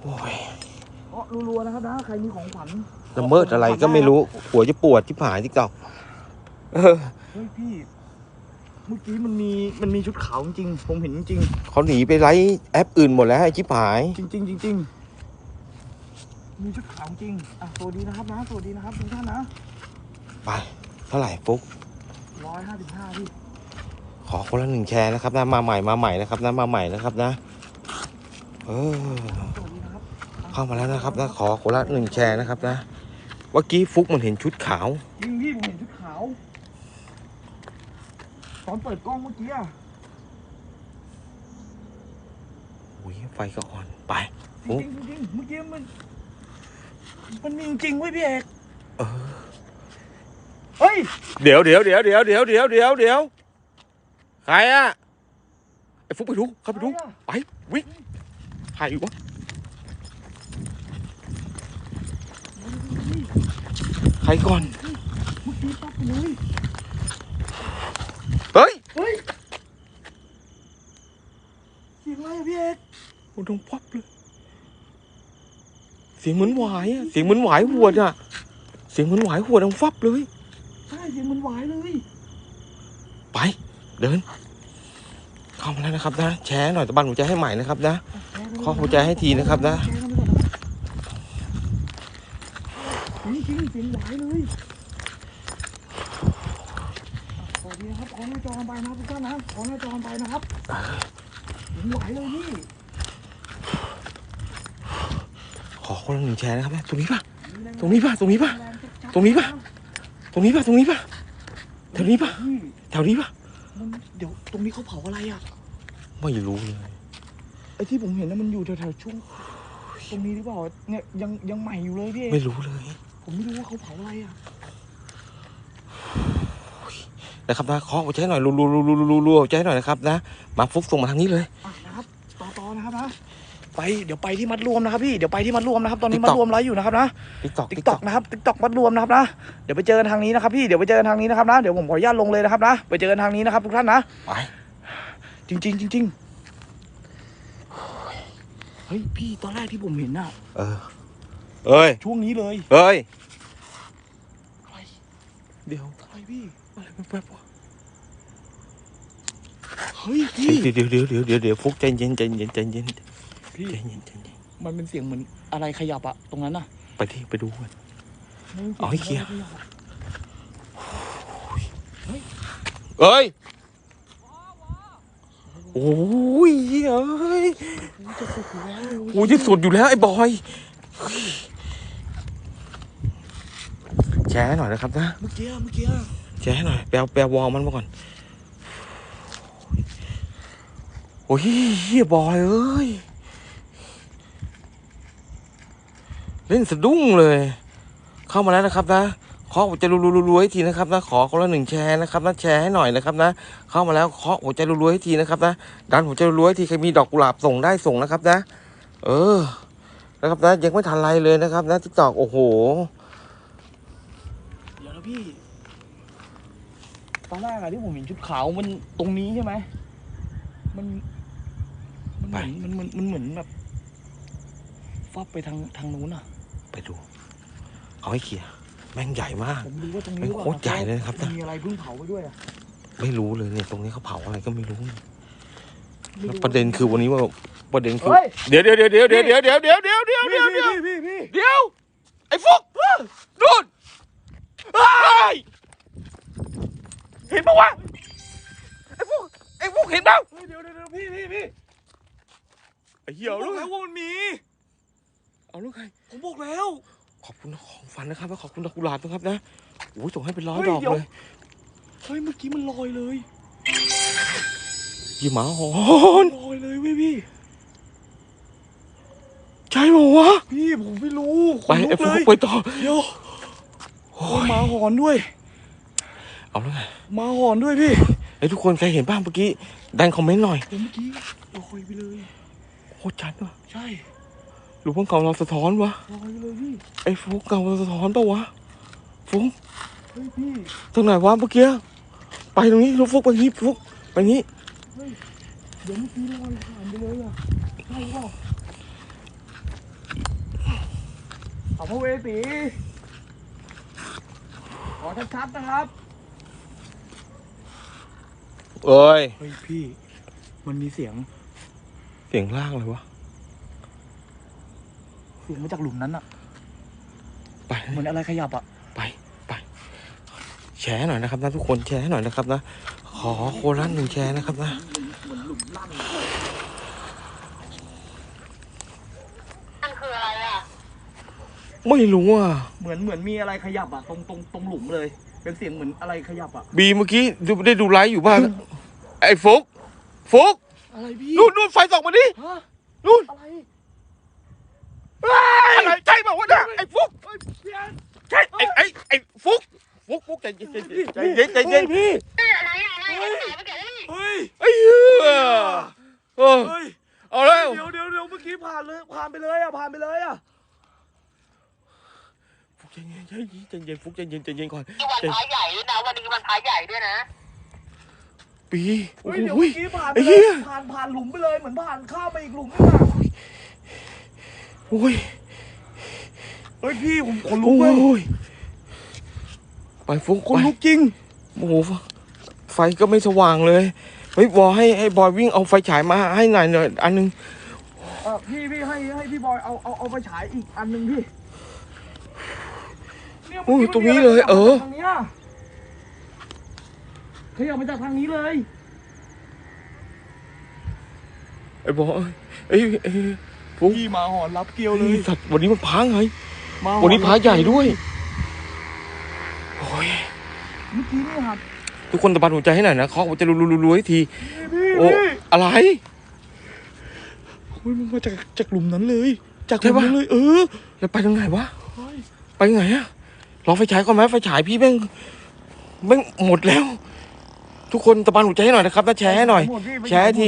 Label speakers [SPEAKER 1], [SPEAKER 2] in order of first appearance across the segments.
[SPEAKER 1] อ้ย
[SPEAKER 2] รัวๆนะครับนะใครมีของขวัญ
[SPEAKER 1] ละเมิดอะไรก็ไม่รู้หัวจะปวดที่ผายที่เก่า
[SPEAKER 2] เฮ้ยพี่เมื่อกี้มันมีชุดขาวจริงๆผมเห็นจริง
[SPEAKER 1] เขาหนีไปไลฟ์แอปอื่นหมดแล้วไอ้ชิบหาย
[SPEAKER 2] จริงมีชุดขาวจริงสวัสดีนะครับนะสวัสดีนะครับทุกท่านนะ
[SPEAKER 1] ไปเท่าไหร่ฟุก
[SPEAKER 2] 155พี่
[SPEAKER 1] ขอคนละ1แชร์นะครับนะมาใหม่นะครับนะมาใหม่นะครับนะเข้ามาแล้วนะครับนะขอคนละ1แชร์นะครับนะเมื่อกี้ฟุกมันเห็นชุดขาว
[SPEAKER 2] จริงพี่ผมเห็นชุดขาวตอนเปิดกล้องเมื่อกี้
[SPEAKER 1] อุ้ยไฟก็อ่อนไป
[SPEAKER 2] จริงเมื่อกี้มันมีจริงเว้ยพี่เอกเฮ้ย
[SPEAKER 1] เดี๋ยวใครอะไอ้ฟุกไปดูเข้าไปดูไปวิ่งใครวะใครก่อน
[SPEAKER 2] เมื่อกี้ปั๊บเลย
[SPEAKER 1] เฮ้ย
[SPEAKER 2] เสียงอะไรอะพี่เอก
[SPEAKER 1] โอ้ดงปั๊บเลยเสียงเหมือนหวายอะเสียงเหมือนหวายหัวอะเสียงเหมือนหวายหัวดังฟับเลย
[SPEAKER 2] ใช่เสียงเหมือนหวายเลย
[SPEAKER 1] ไปเดินเข้ามาแล้วนะครับนะแชร์หน่อยตะบันหัวใจให้ใหม่นะครับนะขอหัวใจให้ทีนะครับนะ
[SPEAKER 2] จริงเสียงหวายเลยสวัสดีนะครับขอหน้าจอไปนะทุกท่านนะขอหน้าจอไปนะครับเสียงหวายเลยพี่
[SPEAKER 1] ขอคนละ1แชร์นะครับนะตรงนี้ป่ะแถวนี้ป่ะแถวนี้ป่ะเ
[SPEAKER 2] ดี๋ยวตรงนี้เขาเผาอะไรอ่ะ
[SPEAKER 1] ไม่รู้เลย
[SPEAKER 2] ไอ้ที่ผมเห็นนะมันอยู่แถวๆช่วงตรงนี้หรือเปล่าเนี่ยยังใหม่อยู่เลยพี่
[SPEAKER 1] ไม่รู้เลย
[SPEAKER 2] ผมไม่รู้ว่าเขาเผาอะไรอ่ะ
[SPEAKER 1] นะครับนะขอหัวใจหน่อยรัวหัวใจหน่อยนะครับนะมาฟุกส่งมาทางนี้เลย
[SPEAKER 2] นะครับต่อนะครับนะเดี๋ยวไปที่มัดรวมนะครับพี่เดี๋ยวไปที่มัดรวมนะครับตอนนี้มัดรวมไลฟ์อยู่นะครับนะติ๊กต็อกนะครับติ๊กต็อกมัดรวมนะครับนะเดี๋ยวไปเจอกันทางนี้นะครับพี่เดี๋ยวไปเจอกันทางนี้นะครับนะเดี๋ยวผมขออนุญาตลงเลยนะครับนะไปเจอกันทางนี้นะครับทุกท่านนะ
[SPEAKER 1] ไป
[SPEAKER 2] จริงเฮ้ยพี่ตอนแรกที่ผมเห็นน่ะช่วงนี้เลย
[SPEAKER 1] เดี๋ยว
[SPEAKER 2] อะไรพี่
[SPEAKER 1] อะไรแป๊บวะ
[SPEAKER 2] เฮ้ยพี่
[SPEAKER 1] เดี๋ยวฟุกใจเย็น
[SPEAKER 2] พี่มันเป็นเสียงเหมือนอะไรขยับอะตรงนั้นน่ะ
[SPEAKER 1] ไปดูกันเอาให้เคลียร์โอ้ยจะสุดอยู่แล้วไอ้บอยแชร์หน่อยนะครับนะ
[SPEAKER 2] เมื่อกี้
[SPEAKER 1] แชร์หน่อยแปลวอลมันมาก่อนโอ้ยบอยเอ้ยเล่นสะดุ้งเลยเข้ามาแล้วนะครับนะขอหัวใจรัวๆให้ทีนะครับนะขอคนละ1แชร์นะครับนะแชร์ให้หน่อยนะครับนะเข้ามาแล้วขอหัวใจรัวๆให้ทีนะครับนะดันหัวใจรัวๆให้ทีใครมีดอกกุหลาบส่งได้ส่งนะครับนะนะครับนะยังไม่ทันไรเลยนะครับนะติ๊กต็อกโอ้โห
[SPEAKER 2] เดี๋ยวนะพี่ตอนแรกอะที่ผมเห็นชุดขาวมันตรงนี้ใช่ไหมมันเหมือนแบบฟับไปทางนู้นอะ
[SPEAKER 1] ไปดูเอาให้เคลียร์แม่งใหญ่มาก
[SPEAKER 2] ผมดูว่าตรงนี้
[SPEAKER 1] โคตรใหญ่เลยนะครับ
[SPEAKER 2] มีอะไรเพิ่งเผาไปด้วยอะ
[SPEAKER 1] ไม่รู้เลยเนี่ยตรงนี้เขาเผาอะไรก็ไม่รู้แล้วประเด็นคือวันนี้ว่าประเด็นคือเดี๋ยวไอ้ฟุกนู่นเห็นปะวะไอ้ฟุกเห็นเปล่า
[SPEAKER 2] เดี๋ยวพี่
[SPEAKER 1] ไอ้เหี้ย
[SPEAKER 2] ลูกแล้วว่ามันมี
[SPEAKER 1] เอาลูกใคร
[SPEAKER 2] ผมบอกแล้ว
[SPEAKER 1] ขอบคุณของฝันนะครับและขอบคุณดอกกุหลาบนะครับนะโอ้ยส่งให้เป็น100 ดอกเลย
[SPEAKER 2] เฮ้ยเมื่อกี้มันลอยเลย
[SPEAKER 1] ยี่หมาหอน
[SPEAKER 2] ลอยเลยพี่
[SPEAKER 1] ใช่ปะวะ
[SPEAKER 2] พี่ผมไม่รู้
[SPEAKER 1] ไปไอ้ฟุกไปต่อ
[SPEAKER 2] เดี๋ยวหมาหอนด้วย
[SPEAKER 1] เอาแล้วไง
[SPEAKER 2] หมาหอนด้วยพี่
[SPEAKER 1] ไอ้ทุกคนใครเห็นบ้างเมื่อกี้ดันคอมเมนต์หน่อย
[SPEAKER 2] เมื่อกี้ลอยไปเลย
[SPEAKER 1] โคตรชัดว่ะ
[SPEAKER 2] ใช่
[SPEAKER 1] หรือว่าเก่าเราสะท้อนวะ
[SPEAKER 2] ลอยเลยพี่
[SPEAKER 1] ไอ้ฟุกเก่าเราสะท้อนปะวะฟุก
[SPEAKER 2] เฮ้ยพี่
[SPEAKER 1] ตรงไหนวะเมื่อกี้ไปตรงนี้ลูกฟุกไปนี้ฟุกไปนี้
[SPEAKER 2] เฮ้ยเดี๋ยวเมื่อกี้ลอยผ่านไปเลยอะใช่ป่ะสัมภเวสีขอชัดๆนะครับ
[SPEAKER 1] เอ้ย
[SPEAKER 2] เฮ้ยพี่มันมีเสียง
[SPEAKER 1] เสียงล่างเลยวะ
[SPEAKER 2] เสียงมาจากหลุมนั้นอะ
[SPEAKER 1] ไป
[SPEAKER 2] เหมือนอะไรขยับอะ
[SPEAKER 1] ไปแชร์หน่อยนะครับนะทุกคนแชร์หน่อยนะครับนะขอโคนละ1แชร์นะครับนะ
[SPEAKER 2] เหมือนหลุมลั่น
[SPEAKER 3] มันคืออะไรอ่ะ
[SPEAKER 1] ไม่รู้อ่ะ
[SPEAKER 2] เหมือนมีอะไรขยับอะตรงหลุมเลย เป็นเสียงเหมือนอะไรขยับอะ
[SPEAKER 1] บีเมื่อกี้ได้ดูไลฟ์อยู่บ้านไอ้ฟุก
[SPEAKER 2] อะไรพี่
[SPEAKER 1] นู่นไฟส่องมาดิ
[SPEAKER 2] ฮะ
[SPEAKER 1] นู่น
[SPEAKER 2] อะไร
[SPEAKER 1] อะไรใช่เปล่าวะเนี่ยไอ้ฟุก
[SPEAKER 2] เฮ้ยพี่อัน
[SPEAKER 1] ใช่ไอ้ฟุกใจเย็นใจเย็น
[SPEAKER 2] พี่
[SPEAKER 3] อะไรอะไรเฮ้ย
[SPEAKER 2] เฮ้ย
[SPEAKER 1] ไอ้เหี้ยเออ
[SPEAKER 2] เฮ้ย
[SPEAKER 1] เอาแล้ว
[SPEAKER 2] เดี๋ยวเมื่อกี้ผ่านไปเลยอะ
[SPEAKER 1] ฟุกใจเย็นฟุกใจเย็นก่อน
[SPEAKER 3] นี่วันพระใหญ่ด้วยนะวันนี้วันพระใหญ่ด้วยนะ
[SPEAKER 1] ปีโอ้
[SPEAKER 2] เฮ้ยเดี๋ยว
[SPEAKER 1] โห
[SPEAKER 2] เมื่อกี้ผ่านไป
[SPEAKER 1] ไอ้
[SPEAKER 2] เล
[SPEAKER 1] เหี้
[SPEAKER 2] ย
[SPEAKER 1] ย
[SPEAKER 2] ผ่านหลุมไปเลยเหมือนผ่านข้ามไปอีกหลุมนึงอะ
[SPEAKER 1] โอ้ย
[SPEAKER 2] เฮ้ยพี่ผมขนลุ
[SPEAKER 1] โอ้
[SPEAKER 2] กเลย
[SPEAKER 1] ยไปฟุก
[SPEAKER 2] ขนลุกจริง
[SPEAKER 1] โอ้โหไฟก็ไม่สว่างเลยเฮ้ยบอยให้บอยวิ่งเอาไฟฉายมาให้หน่อยอันนึง
[SPEAKER 2] พี่ให้พี่บอยเอาไปฉายอีกอันหนึ่งพี่เนี่ย
[SPEAKER 1] โอ้ย
[SPEAKER 2] เมื่อ
[SPEAKER 1] ตรง
[SPEAKER 2] กี้
[SPEAKER 1] นี้
[SPEAKER 2] มัน
[SPEAKER 1] เลย
[SPEAKER 2] มีอะไรขยับมาจากทางนี้เลย
[SPEAKER 1] ไอ้บอยไอ้ฟุก
[SPEAKER 2] พี่มาหอนรับเกลียวเล
[SPEAKER 1] ไอ้
[SPEAKER 2] ย
[SPEAKER 1] สัตว์วันนี้มันพังไง
[SPEAKER 2] มาหอ
[SPEAKER 1] วันนี้พระใหญ่ด้วยโอ้ย
[SPEAKER 2] เมื่อกี้นี่ครับ
[SPEAKER 1] ทุกคนตะบันหัวใจให้หน่อยนะเคาะหัวใจรัวๆให้ที
[SPEAKER 2] พี่
[SPEAKER 1] โอ้อะไร
[SPEAKER 2] เฮ้ยมันมาจากหลุมนั้นเลยจากหลุมนั้นเลย
[SPEAKER 1] แล้วไปทางไหนวะ
[SPEAKER 2] เฮ้ย
[SPEAKER 1] ไปทางไหนอะรอไฟฉายก่อนไหมไฟฉายพี่แม่งหมดแล้ว ทุกคนตะบันหัวใจให้หน่อยนะครับนะแชร์ให้หน่อย
[SPEAKER 2] มดพี่
[SPEAKER 1] แชร์ให้ที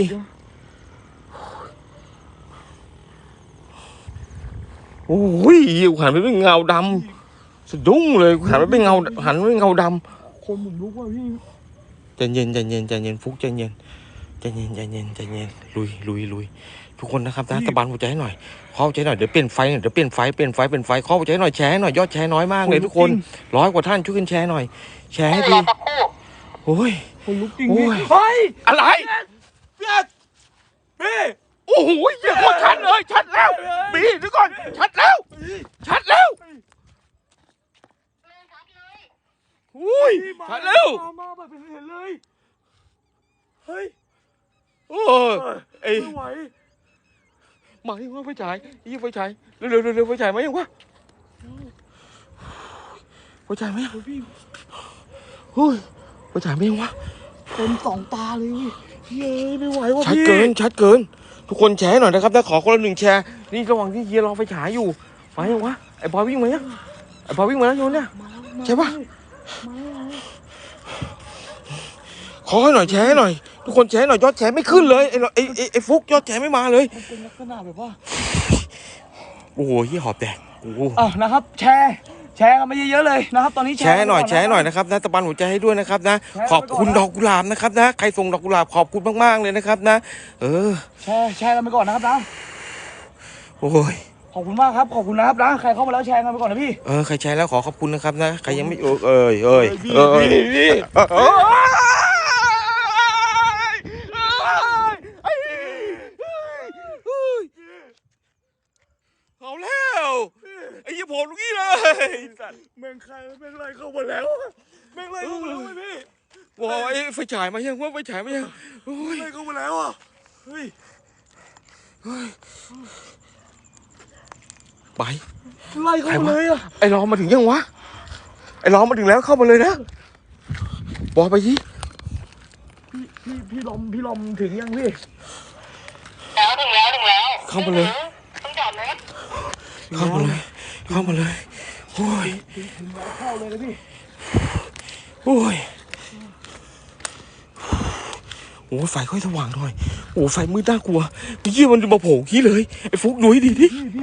[SPEAKER 1] โอ้ยหันไปเป็นเงาดำสะดุ้งเลยหันไปเป็นเงาด
[SPEAKER 2] คนหมุนลุกว่ะพี่
[SPEAKER 1] ำใจเย็นฟุกใจเย็นลุยทุกคนนะครับนะตะบันหัวใจให้หน่อยเคาะหัวใจหน่อยเดี๋ยวเปลี่ยนไฟเคาะหัวใจหน่อยแชร์ให้หน่อยยอดแชร์น้อยมากเลยทุกคน100 กว่าท่านช่วยกันแชร์หน่อยแชร์ให้
[SPEAKER 3] ร
[SPEAKER 1] ที
[SPEAKER 3] อสักครู่
[SPEAKER 1] โอ้ย
[SPEAKER 2] คนลุกจริง
[SPEAKER 1] โอ้
[SPEAKER 2] พี่
[SPEAKER 1] ย
[SPEAKER 2] เฮ้ย
[SPEAKER 1] อะไร
[SPEAKER 2] พี่พี่
[SPEAKER 1] โอ้โหเหี้ยโคตรชัดเลยชัดแล้วบีเดี๋ยวก่อนชัดแล้วอุ้ยชัดแล้ว
[SPEAKER 2] มาแบบเห็นเลยเฮ้ย
[SPEAKER 1] โอ้ยไอ้
[SPEAKER 2] ไม่ไหว
[SPEAKER 1] มายังวะไฟฉายไฟฉายเร็วไฟฉายมายังวะไฟฉายมายัง
[SPEAKER 2] พี่
[SPEAKER 1] เฮ้ยไฟฉายมายังวะ
[SPEAKER 2] เป็นสองตาเลยเฮ้ยไม่ไหวว่ะ
[SPEAKER 1] ชัด
[SPEAKER 2] พี่
[SPEAKER 1] เกินทุกคนแชร์หน่อยนะครับถ้าขอคนละ1แชร์นี่ระหว่างที่เฮียรอไฟฉายอยู่มายังวะไอ้บอยวิ่งมายังไอ้บอยวิ่งมาแล้วโยนเนี่ย
[SPEAKER 2] มา
[SPEAKER 1] ใช่ปะ
[SPEAKER 2] มาแล้ว
[SPEAKER 1] ขอให้หน่อยแชร์ให้หน่อยทุกคนแชร์หน่อยยอดแชร์ไม่ขึ้นเลยไอ้ฟุกยอดแชร์ไม่มาเลย
[SPEAKER 2] มันเป็นลักษณะแบบว่า
[SPEAKER 1] โอ้โหเฮียหอบแดกโอ้โห
[SPEAKER 2] นะครับ แชร์กันมาเยอะๆเลยนะครับ ตอนนี้
[SPEAKER 1] แชร์หน่อยนะครับนะตะบันหัวใจให้ด้วยนะครับนะขอบคุณดอกกุหลาบนะครับนะใครส่งดอกกุหลาบขอบคุณมากๆเลยนะครับนะ
[SPEAKER 2] แชร์กันไปก่อนนะครับนะ
[SPEAKER 1] โอ้ย
[SPEAKER 2] ขอบคุณมากครับขอบคุณนะครับนะใครเข้ามาแล้วแชร์กันไปก่อนนะพี่
[SPEAKER 1] ใครแชร์แล้วขอขอบคุณนะครับนะใครยังไม่พี่เอาแล้วไอ้ยี่ผมลูกนี้เลย
[SPEAKER 2] แม่งไรเข้ามาแล้วแม่งไรเข้ามาแล้วพี่
[SPEAKER 1] ว้าวไอ้ไฟฉายมายังว่าไฟฉายมายังโอ้ย
[SPEAKER 2] ไรเข้ามาแล้วอ่ะเฮ้ย
[SPEAKER 1] ไป
[SPEAKER 2] ไล่เข้ามาเลยอ่ะ
[SPEAKER 1] ไอ้ล้อมาถึงยังวะไอ้ล้อมาถึงแล้วเข้ามาเลยนะบอกไปสิ
[SPEAKER 2] พี่ลมถึงยังพี่
[SPEAKER 3] ถึงแล้ว
[SPEAKER 1] เข้ามาเลย
[SPEAKER 3] ต้องจอดรถ
[SPEAKER 1] เข้ามาเลยโอ้ย
[SPEAKER 2] ถึงแล้วเข้าเลยนะพี่
[SPEAKER 1] โอ้ยโอ้ไฟค่อยสว่างหน่อยโอ้ไฟมืดน่ากลัวเยี่ยมันมาโผล่ขี้เลยไอ้ฟุกดูให้ดีดิ
[SPEAKER 2] พี่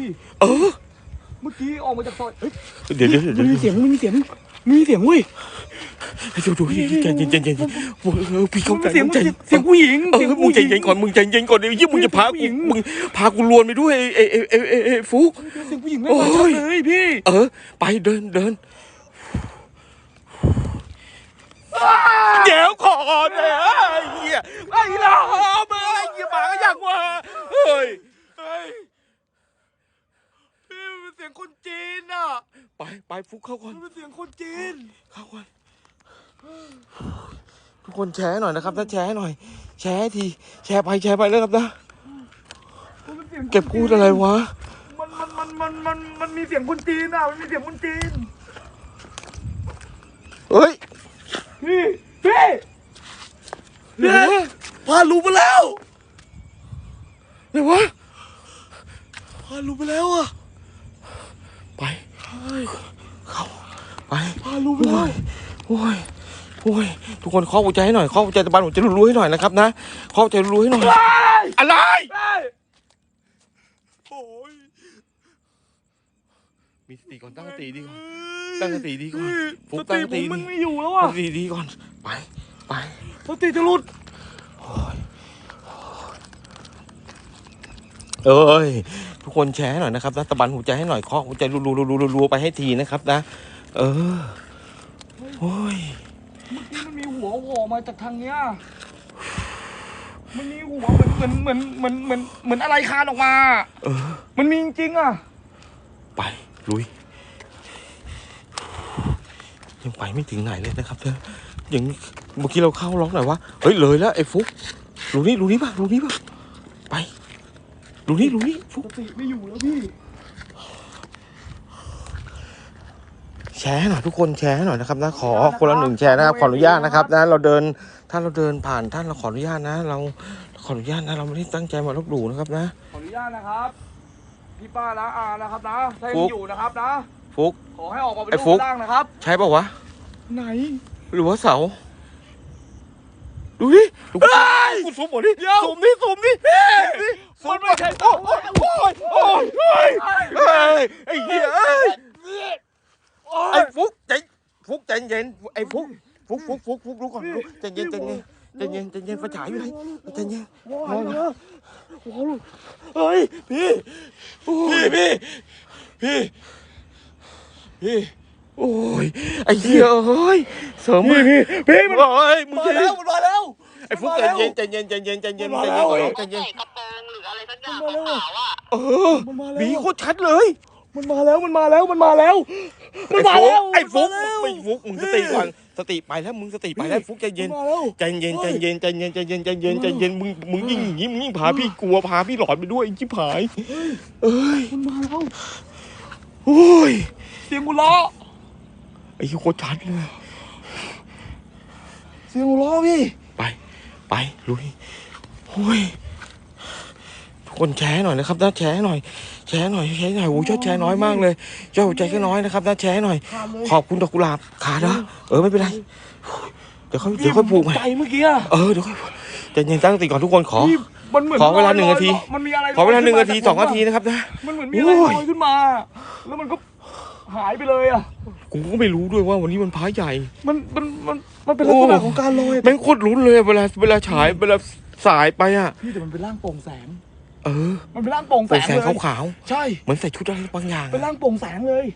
[SPEAKER 1] เมื่อกี้
[SPEAKER 2] ออกมาจากซอยเฮ้ย
[SPEAKER 1] เดี๋ยว
[SPEAKER 2] มีเสียงเว้ย
[SPEAKER 1] ดูใจเย็นพี่เข้าใจ
[SPEAKER 2] เสียงผู้หญิง
[SPEAKER 1] มึงใจเย็นก่อนมึงใจเย็นก่อนเดี๋ยวยี่มึงจะพากูลวนไปด้วยไอ้ฟุก
[SPEAKER 2] เสียงผู้หญิงไม่มาชัดเลยพี่
[SPEAKER 1] ไปเดินเดี๋ยวก่อนไอ้เหี้ยไอ้ลาเมื่อไอ้เหี้ยหมาก็อยากว่าเฮ้ย
[SPEAKER 2] พี่เป็นเสียงคนจีนอ่ะ
[SPEAKER 1] ไปฟุกเข้าก่อน
[SPEAKER 2] เป็นเสียงคนจีน
[SPEAKER 1] เข้าก่อนทุกคนแชร์หน่อยนะครับนะแชร์หน่อยแชร์ทีแชร์ไปแล้วครับนะเก็บพูดอะไรวะ
[SPEAKER 2] มันมีเสียงคนจีนอ่ะมันมีเสียงคนจีน
[SPEAKER 1] เฮ้ย
[SPEAKER 2] พี่พาลูไปแล้ว
[SPEAKER 1] ไหนวะ
[SPEAKER 2] พาลูไปแล้วอ่ะ
[SPEAKER 1] ไปเข้าไป
[SPEAKER 2] พาลูไปแล้ว
[SPEAKER 1] โอ้ยทุกคนเคาะหัวใจให้หน่อยเคาะหัวใจตะบันหัวใจรู้ๆให้หน่อยนะครับนะเคาะหัวใจรู้ๆให้หน่อยอะไรโอ้ยมีสติก่อนตั้งสติดีก่อนตั้งสติดีก่อนฟุกตั้งสติ
[SPEAKER 2] มันไม่อยู่แล้วอ่ะ
[SPEAKER 1] ตั้งสติดีก่อนไป
[SPEAKER 2] สติจะหลุด
[SPEAKER 1] ทุกคนแชร์ให้หน่อยนะครับนะตะบันหัวใจให้หน่อยเคาะหัวใจรัวๆไปให้ทีนะครับนะโอ้ย
[SPEAKER 2] เมื่อกี้มันมีหัวโผล่มาจากทางเนี้ยมันมีหัวเหมือนอะไรคานออกมามันมีจริงๆอ่ะ
[SPEAKER 1] ไปลุยยังไปไม่ถึงไหนเลยนะครับเธออย่างเมื่อกี้เราเข้าล็อกหน่อยวะเฮ้ยเลยแล้วไอ้ฟุกรู้นี่ป่ะไปรู้นี่ฟุก
[SPEAKER 2] สติไม่อยู่แล้วพี่
[SPEAKER 1] แชร์หน่อยทุกคนแชร์หน่อยนะครับนะขอคนละ1แชร์นะครับขออนุญาตนะครับนะถ้าเราเดินผ่านท่านเราขออนุญาตนะเราขออนุญาตนะเราไม่ได้ตั้งใจมาลบหลู่นะครับนะ
[SPEAKER 2] ขออนุญาตนะครับพี่ป้านะอานะครับนะถ้ายังอยู่นะครับนะ
[SPEAKER 1] ฟุก
[SPEAKER 2] ขอให้ออกมาเป็น
[SPEAKER 1] ไอ้
[SPEAKER 2] รู
[SPEAKER 1] ฟุ
[SPEAKER 2] ป
[SPEAKER 1] ก
[SPEAKER 2] ร่างนะครับ
[SPEAKER 1] ใช่ป่าวะ
[SPEAKER 2] ไหน
[SPEAKER 1] หรือว่าเสาดูดิกูซูมหมดดิซูมดิซูม
[SPEAKER 2] มันไม่ใช่ตัว
[SPEAKER 1] โอ้ยไอ้เหี้ยไอ้ฟุกใจเย็นไอ้ฟุกรู้ก่อนใจเย็นไฟฉายอยู่ไหนใจเย็น
[SPEAKER 2] ว้าวเฮ้ยพี่
[SPEAKER 1] โอ้ยไอ้เหี้ยเฮ้ยเสริมพี่มันมึง
[SPEAKER 2] มาแล้วมันมาแล้ว
[SPEAKER 1] ไอ้ฟุกใจเย็นก่อนใจเย็น
[SPEAKER 3] ใส่กระโปรงหรืออะไรสักอย่างขาวๆอ่ะ
[SPEAKER 1] บีโคตรชัดเลย
[SPEAKER 2] มันมาแล้ว
[SPEAKER 1] ไอ้ฟุกไม่ฟุกมึงสติก่อนสติไปแล้วมึงสติไปแล้วฟุกใจเย็นมึงยิ่งอย่างนี้มึงยิ่งพาพี่กลัวพาพี่หลอนไปด้วยไอ้ชิบหาย
[SPEAKER 2] มันมาแล้ว
[SPEAKER 1] โอ้ย
[SPEAKER 2] เสียงหัวเราะ
[SPEAKER 1] ไอ้โคตรชัดเลย
[SPEAKER 2] เสียงหัวเราะพี่
[SPEAKER 1] ไปลุยโอ้ยทุกคนแชร์หน่อยนะครับนะแชร์หน่อยโอ้ยยอดแชร์น้อยมากเลยยอดหัวใจก็น้อยนะครับนะแชร์หน่อยขอบคุณดอกกุหลาบขาดนะไม่เป็นไรเดี๋ยวค่อยผูกใหม่
[SPEAKER 2] ใจเมื่อกี้
[SPEAKER 1] เดี๋ยวค่อยใจเย็นตั้งสติก่อนทุกคนขอเวลา1 นาที
[SPEAKER 2] มันมีอะไร
[SPEAKER 1] ขอเวลา1 นาที 2 นาทีนะครับนะ
[SPEAKER 2] มันเหมือนมีอะไรลอยขึ้นมาแล้วมันก็หายไปเลยอ่ะ
[SPEAKER 1] กูก็ไม่รู้ด้วยว่าวันนี้มันพระใหญ่
[SPEAKER 2] มันเป็นลักษณะของการลอย
[SPEAKER 1] แม่งโคตรลุ้นเลยเวลาฉายเวลาสายไปอ่ะ
[SPEAKER 2] พี่แต่มันเป็นร่างโปร่งแสง
[SPEAKER 1] มั
[SPEAKER 2] มันเป็นร่างโปร่งแสงเลย
[SPEAKER 1] ขาว
[SPEAKER 2] ใช่
[SPEAKER 1] เหมือนใส่ชุดอะไรบางอย่าง
[SPEAKER 2] เป็นร่างโปร่งแสงเลย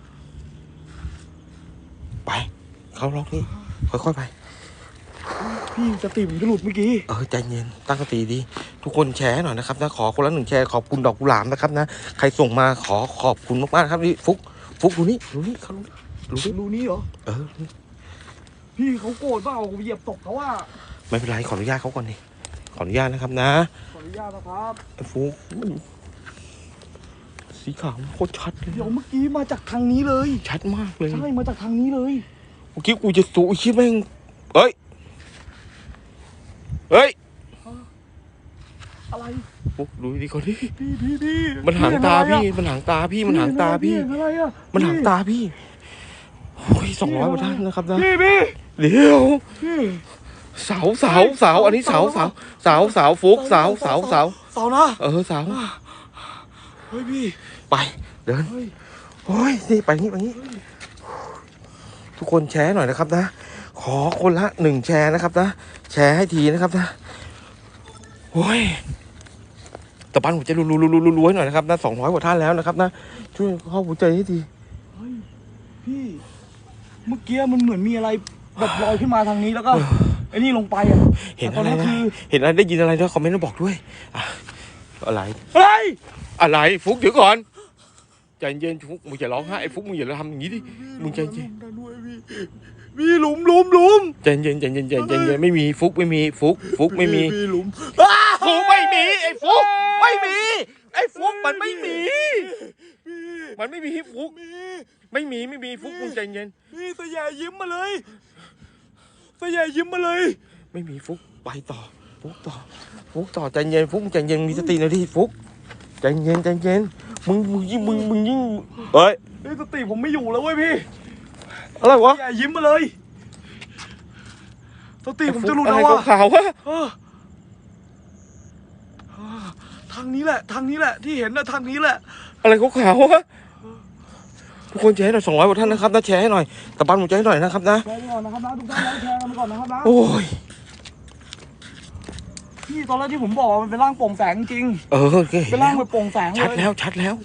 [SPEAKER 1] ไปเขาล็อกนี่ค่อยๆไป
[SPEAKER 2] พี่สติมันจะหลุดเมื่อกี้
[SPEAKER 1] ใจเย็นตั้งสติดีทุกคนแชร์หน่อยนะครับนะขอคนละ1แชร์ขอบคุณดอกกุหลาบนะครับนะใครส่งมาขอบคุณมากๆครับนี่ฟุกดูนี่เขา
[SPEAKER 2] รู้นี่เหรอพี่เขาโกรธเปล่าเหยียบตกเขาว่า
[SPEAKER 1] ไม่เป็นไรขออนุญาตเขาก่อนดิขออนุญาตนะครับนะ
[SPEAKER 2] ขออนุญาตนะครับ
[SPEAKER 1] ฟุกสีขาวโคตรชัดเลย
[SPEAKER 2] เดี๋ยวเมื่อกี้มาจากทางนี้เลย
[SPEAKER 1] ชัดมากเลย
[SPEAKER 2] ใช่มาจากทางนี้เลย
[SPEAKER 1] เมื่อกี้กูจะสูคิดแม่ง
[SPEAKER 2] อะไร
[SPEAKER 1] ฟุกดูดีก่อนดิ
[SPEAKER 2] พี่
[SPEAKER 1] มันหางตาพี่มันหางตาพี่
[SPEAKER 2] อะไรอ่ะ
[SPEAKER 1] มันหางตาพี่โอ้ย200กว่าท่านนะครับนะ
[SPEAKER 2] พี่
[SPEAKER 1] เดี๋ยวเสาอันนี้เสาฟุกเสานะ
[SPEAKER 2] เสาเฮ้ยพี่
[SPEAKER 1] ไปเดินโอ้ยนี่ไปนี่ทุกคนแชร์หน่อยนะครับนะขอคนละ1แชร์นะครับนะแชร์ให้ทีนะครับนะโอ้ยตะปันหัวใจรัวๆหน่อยนะครับนะ200กว่าท่านแล้วนะครับนะช่วยเข้าหัวใจให้ที
[SPEAKER 2] เฮ้ยพี่เมื่อกี้มันเหมือนมีอะไรแบบลอยขึ้นมาทางนี้แล้วก็ไอ้นี่ลงไปอ่ะ
[SPEAKER 1] เห็น
[SPEAKER 2] แต่ต
[SPEAKER 1] อะไร
[SPEAKER 2] นั้น
[SPEAKER 1] นะ
[SPEAKER 2] คือ
[SPEAKER 1] เห็นอะไรได้ยินอะไรด้วยคอมเมนต์มาบอกด้วยอ่ะอะไร
[SPEAKER 2] เฮ้ย
[SPEAKER 1] อะไรฟุกเดี๋ยวก่อนใจเย็นฟุกมึงอย่าร้องไห้ไอ้ฟุกมึงอย่าทำอย่างนี้ดิมึงใจเย็น
[SPEAKER 2] พี่หลุม
[SPEAKER 1] ใจเย็นใจเย็นใจเย็นไม่มีฟุกไม่มีฟุกไม่มี
[SPEAKER 2] พี่หลุม
[SPEAKER 1] ฟุกไม่มีไอ้ฟุกไม่มีไอ้ฟุกมันไม่มีมันไม่มีฟุกไม่มีฟุกมึงใจเย็น
[SPEAKER 2] พี่สยายยิ้มมาเลยสยายยิ้มมาเลย
[SPEAKER 1] ไม่มีฟุกไปต่อฟุกต่อใจเย็นฟุกใจเย็นมีสติหน่อยดิฟุกใจเย็นมึงยิ่งเฮ้ย
[SPEAKER 2] เฮ้ยสติผมไม่อยู่แล้วเว้ยพี่
[SPEAKER 1] อะไรวะ
[SPEAKER 2] สยายยิ้มมาเลยสติผมจะหลุด
[SPEAKER 1] อะไร
[SPEAKER 2] แล้วอ่ะ
[SPEAKER 1] ขาวๆวะ
[SPEAKER 2] ทางนี้แหละที่เห็นนะทางนี้แหละ
[SPEAKER 1] อะไรขาวๆวะทุกคนแชร์ให้หน่อย200กว่าท่านนะครับนะแชร์ให้หน่อยตะปันหัวใจให้หน่อยนะครับนะ
[SPEAKER 2] แชร์ไปก่อนนะครับนะทุกท่านนะแชร์กันไปก่อนนะครับนะ
[SPEAKER 1] โอ้ย
[SPEAKER 2] พี่ตอนแรกที่ผมบอกว่ามันเป็นร่างโปร่งแสงจริง
[SPEAKER 1] โอเค
[SPEAKER 2] เป็นร่างแบบโปร่งแสงเลย
[SPEAKER 1] ชัดแล้ว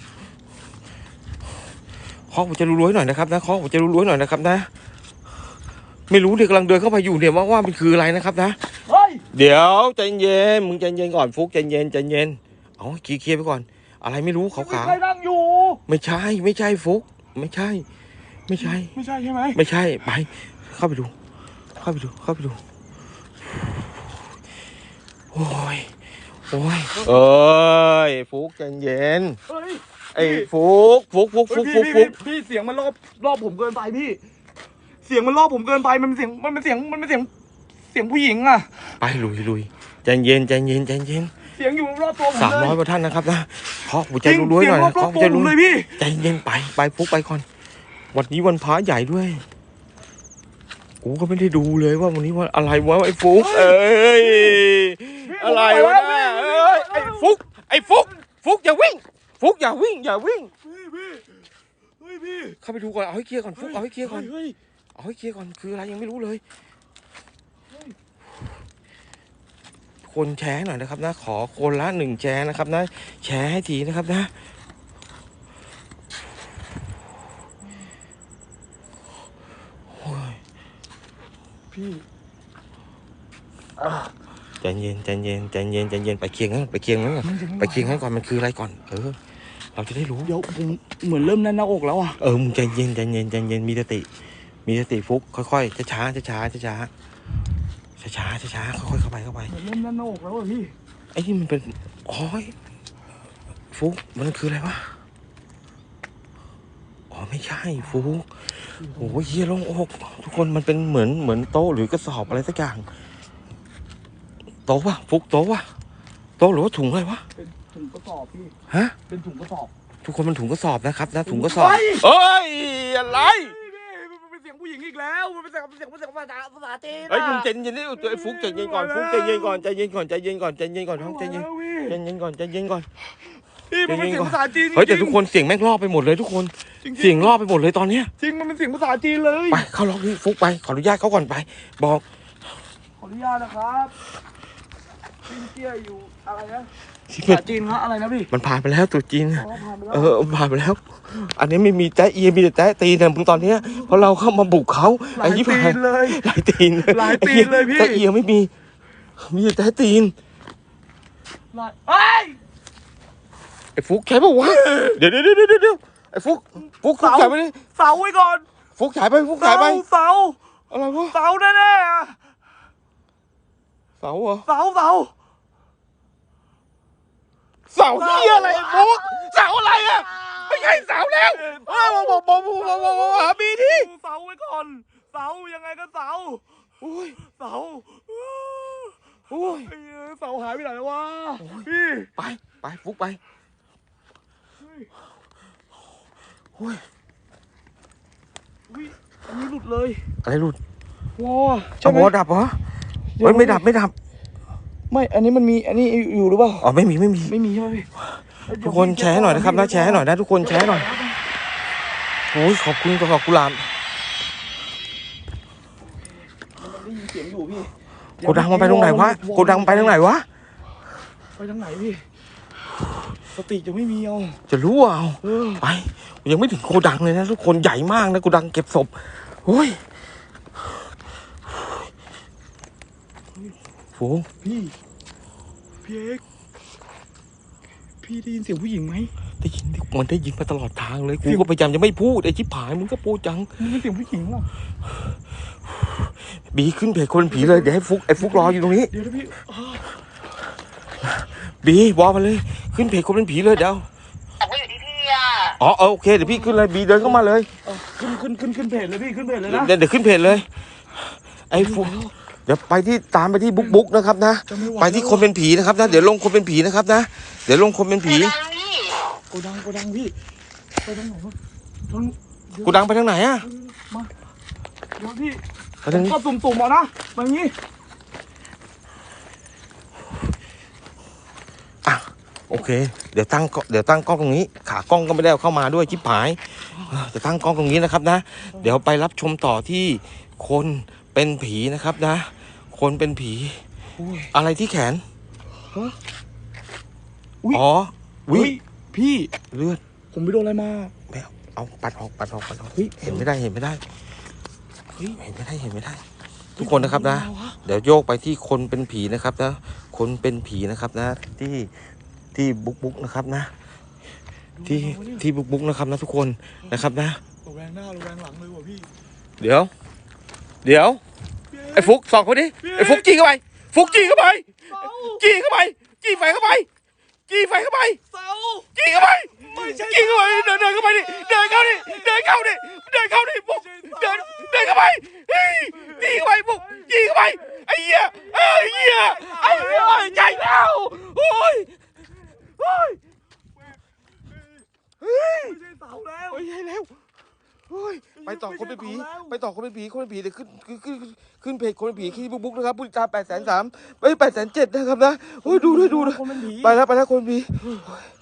[SPEAKER 1] เคาะหัวใจรัวๆหน่อยนะครับนะเคาะหัวใจรัวๆหน่อยนะครับนะไม่รู้เด็กกำลังเดินเข้าไปอยู่เนี่ยว่ามันคืออะไรนะครับนะ
[SPEAKER 2] เฮ้ย
[SPEAKER 1] เดี๋ยวใจเย็นมึงใจเย็นก่อนฟุกใจเย็นเอาเคลียร์ไปก่อน อะไรไม่รู้ขาว
[SPEAKER 2] มีใครนั่งอยู่
[SPEAKER 1] ๆไม่ใช่ฟุกไม่ใช่
[SPEAKER 2] ไม่ใช่ใช่ไหม
[SPEAKER 1] ไม่ใช่ไปเข้าไปดูโอ้ยเอ้ยฟุกใจเย็น
[SPEAKER 2] เฮ้ย
[SPEAKER 1] ไอ้ฟุก
[SPEAKER 2] พี่เสียงมันรอบผมเกินไปพี่ เสียงมันรอบผมเกินไปมันเป็นเสียงผู้หญิงอ่ะ
[SPEAKER 1] ไปลุยใจเย็น
[SPEAKER 2] เสียงอยู่รอบตัวผมเลย
[SPEAKER 1] 300กว่าท่านนะครับนะเคาะหัวใจ
[SPEAKER 2] จริง
[SPEAKER 1] รัวๆ
[SPEAKER 2] เสีย
[SPEAKER 1] ห
[SPEAKER 2] ง
[SPEAKER 1] น่อย
[SPEAKER 2] รอบตัวผมเลยพี่
[SPEAKER 1] ใจเย็นไปฟุกไปก่อนวันนี้วันพระใหญ่ด้วยกูก็ไม่ได้ดูเลยว่าวันนี้วันอะไรวะไอ้ฟุกเอ้ยอะไรวะเนี่ยเอ้ยไอ้ฟุกอย่าวิ่งฟุกอย่าวิ่ง
[SPEAKER 2] พี่
[SPEAKER 1] เข้าไปดูก่อนเอาให้เคลียร์ก่อนฟุกเอาให้เคลียร์ก่อน
[SPEAKER 2] เฮ้ย
[SPEAKER 1] เอาให้เคลียร์ก่อนคืออะไรยังไม่รู้เลยคนแชร์หน่อยนะครับนะขอคนละ1แชร์นะครับนะแชร์ให้ทีนะครับนะ
[SPEAKER 2] พี่
[SPEAKER 1] ใจเย็นไปเคียงนั้นก่อนไปเคียงนั้นก่อนมันคืออะไรก่อนเราจะได้รู้
[SPEAKER 2] เดี๋ยวผมเหมือนเริ่มแน่นหน้าอกแล้วอ่ะ
[SPEAKER 1] มึงใจเย็นมีสติฟุกค่อยๆช้าค่อยๆเข้าไป
[SPEAKER 2] เหมือนเริ่มแน่นหน้าอกแล้วอ่ะพี่
[SPEAKER 1] ไอ้นี่มันเป็นฟุกมันคืออะไรวะไม่ใช่ฟุกโอ้ยเฮียลงอกทุกคนมันเป็นเหมือนโต๊ะหรือกระสอบอะไรสักอย่างโต๊ะวะฟุกโต๊ะวะโต๊ะหรือว่าถุงอะไรวะ
[SPEAKER 2] เป็นถุงกระสอบพี่
[SPEAKER 1] ฮะ
[SPEAKER 2] เป็นถุงกระสอบ
[SPEAKER 1] ทุกคนมันถุงกระสอบนะครับนะถุงกระสอบ
[SPEAKER 2] เฮ้ย
[SPEAKER 1] เอ้ยอะไร
[SPEAKER 2] มันเป็นเสียงผู้หญิงอีกแล้วมันเป็นเสียงภาษาจีน
[SPEAKER 1] เฮ้ยมึงใจเย็นดิไอ้ฟุกใจเย็นก่อนฟุกใจเย็นก่อนท้องใจเย็นก่อนพี่ใจเย็นก่อน
[SPEAKER 2] พี่มันเป็นเสียงภาษาจีน
[SPEAKER 1] เฮ้ยแต่ทุกคนเสียงแม่งรอบไปหมดเลยทุกคนเสียงรอบไปหมดเลยตอนเนี้ย
[SPEAKER 2] จริงมันเป็นเสียงภาษาจีนเลย
[SPEAKER 1] ไปเข้าล็อกนี่ฟุกไปขออนุญาตเขาก่อนไปบอก
[SPEAKER 2] ขออนุญาตนะครับพี่เตี้ยอยู่อะไรนะ
[SPEAKER 1] ที่
[SPEAKER 2] ภาษาจีนครับอะไรนะพี่
[SPEAKER 1] มันผ่านไปแล้วตรุษจีน
[SPEAKER 2] อ๋อผ่านไปแล้ว
[SPEAKER 1] ผ่านไปแล้ว อันนี้ไม่มีแจ๊เอียมีแต่แจ๊ตีนนะมึงตอนเนี้ยเพราะเราเข้ามาบุกเขา
[SPEAKER 2] หลาย
[SPEAKER 1] ยี่
[SPEAKER 2] ตี
[SPEAKER 1] ห้าน
[SPEAKER 2] เลย
[SPEAKER 1] หลายตีน
[SPEAKER 2] หลายตีนเลยพี่
[SPEAKER 1] แจ๊เอียไม่มีแต่แจ๊ตีน
[SPEAKER 2] เฮ้ย
[SPEAKER 1] ไอ้ฟุกใช่ปะวะเดี๋ยวไอ้ฟุกฉายไปดิ
[SPEAKER 2] เสาไว้ก่อน
[SPEAKER 1] ฟุกฉายไปฟุกฉายไป
[SPEAKER 2] เสา
[SPEAKER 1] อะไรวะ
[SPEAKER 2] เสาแน่ๆอะ
[SPEAKER 1] เสาเหรอ
[SPEAKER 2] เสา
[SPEAKER 1] เสาเหี้ยอะไรไอ้ฟุกเสาอะไรอ่ะไม่ใช่เสาแล้วบอกหาบีดิ
[SPEAKER 2] เสาไว้ก่อนเสายังไงก็เสา
[SPEAKER 1] โอ้ย
[SPEAKER 2] เสา
[SPEAKER 1] โอ้ย
[SPEAKER 2] ไอ้เหี้ยเสาหายไปไหนแล้ววะพี่
[SPEAKER 1] ไปฟุกไปโอ้ย
[SPEAKER 2] อุ๊ยอันนี้หลุดเลย
[SPEAKER 1] อะไรหลุด
[SPEAKER 2] วอใช่
[SPEAKER 1] เอา
[SPEAKER 2] ไหม
[SPEAKER 1] วอดับเหรอเฮ้ยไม่ดับ
[SPEAKER 2] ไม่อันนี้มันมีอันนี้อยู่หรือเปล่า
[SPEAKER 1] อ๋อไม่มี
[SPEAKER 2] ไม่มีใช่ไหมพี่
[SPEAKER 1] ทุกคนแชร์หน่อยนะครับนะแชร์หน่อยนะทุกคนแชร์หน่อยโอ้ยขอบคุณกับกุหลาบโกดังมันไปตรงไหนวะโกดังไปทางไหนวะ
[SPEAKER 2] ไปทางไหนพี่สติจะไม่มีเอา
[SPEAKER 1] จะรู้เอา ไปยังไม่ถึงโกดังเลยนะทุกคนใหญ่มากนะโกดังเก็บศพโอ้ยโอ้
[SPEAKER 2] พี่เอกพี่ได้ยินเสียงผู้หญิงไหม
[SPEAKER 1] ได้ยินมันได้ยินมาตลอดทางเลยกูก็พยายามจะไม่พูดไอ้ชิบหายมึงก็พูดจัง
[SPEAKER 2] มันเป็นเสียงผู้หญิงเหรอ
[SPEAKER 1] บีขึ้นเพจคนผีเลยเดี๋ยวให้ฟุกไอ้ฟุกรออยู่ตรงนี้
[SPEAKER 2] เดี๋ยวนะพี่
[SPEAKER 1] บีบอกมาเลยขึ้นเพจคนเป็นผีเลยเดี๋ยว
[SPEAKER 3] บอกว่าอยู่ที่พี่อ่ะ
[SPEAKER 1] อ๋อโอเคเดี๋ยวพี่ขึ้นเลยบีเดินเข้ามาเลย
[SPEAKER 2] ขึ้นเพจเลยพี่ขึ้นเพจเลยนะ
[SPEAKER 1] เดี๋ยวขึ้นเพจเลยไอ้ฟุกเดี๋ยวไปที่ตามไปที่บุ๊กนะครับนะไปที่คนเป็นผีนะครับนะเดี๋ยวลงคนเป็นผีนะครับนะเดี๋ยวลงคนเป็นผี
[SPEAKER 2] โกดังพี่ไปทางไหนวะทาง
[SPEAKER 1] กูดังไปทางไหนอะ
[SPEAKER 2] มาเดี๋ยวพี่
[SPEAKER 1] ไปทางนี้
[SPEAKER 2] ก็ตุ่มๆเอานะมาอย่างงี้
[SPEAKER 1] อ่ะโอเคเดี๋ยวตั้งกล้องตรงนี้ขากล้องก็ไม่ได้เอาเข้ามาด้วยชิบหายจะตั้งกล้องตรงนี้นะครับนะเดี๋ยวไปรับชมต่อที่คนเป็นผีนะครับนะ คนเป็นผี
[SPEAKER 2] อุ้ย
[SPEAKER 1] อะไรที่แขน
[SPEAKER 2] ฮะอุ้ย
[SPEAKER 1] อ๋อวิ
[SPEAKER 2] อุ้ยพี่
[SPEAKER 1] เลือด
[SPEAKER 2] ผมไปโดนอะไรมา
[SPEAKER 1] ไม่เอาปัดออก
[SPEAKER 2] เฮ้ย
[SPEAKER 1] เห็นไม่ได้
[SPEAKER 2] เฮ้ย
[SPEAKER 1] เห็นไม่ได้ ทุกคนนะครับนะ เดี๋ยวโยกไปที่คนเป็นผีนะครับนะคนเป็นผีนะครับนะ ที่บุ๊กนะครับนะ ที่บุ๊กนะครับนะทุกคนนะครับนะ
[SPEAKER 2] ระแวงหน้าระแวงหลังเลยว่ะพี่
[SPEAKER 1] เดี๋ยวไอ้ฟุกสองคนนี้ไอ้ฟุกจี้เข้าไปฟุกจี้เข้าไปจี้ไฟเข้าไปจี้เข้าไป
[SPEAKER 2] เสา
[SPEAKER 1] จี้เข้าไป
[SPEAKER 2] ไม่ใช่
[SPEAKER 1] จี้เข้าไปเดินเข้าไปดิเดินเข้าดิฟุกเดินเข้าไปเฮ้ยจี้เข้าไปฟุกจี้เข้าไปไอ้เหี้ยใหญ่แล้วโอ้ย
[SPEAKER 2] ไม่ใช่เสาแล้ว
[SPEAKER 1] โอ้ยใหญ่แล้วโอ้ยไปต่อคนเป็นผีเดี๋ยวขึ้นเพจคนเป็นผีที่บุ๊กนะครับผู้ติดตาม803,000 807,000นะครับนะโอ้ยดูด้วย
[SPEAKER 2] คนเป็นผี
[SPEAKER 1] ไปแล้วคนเป็นผี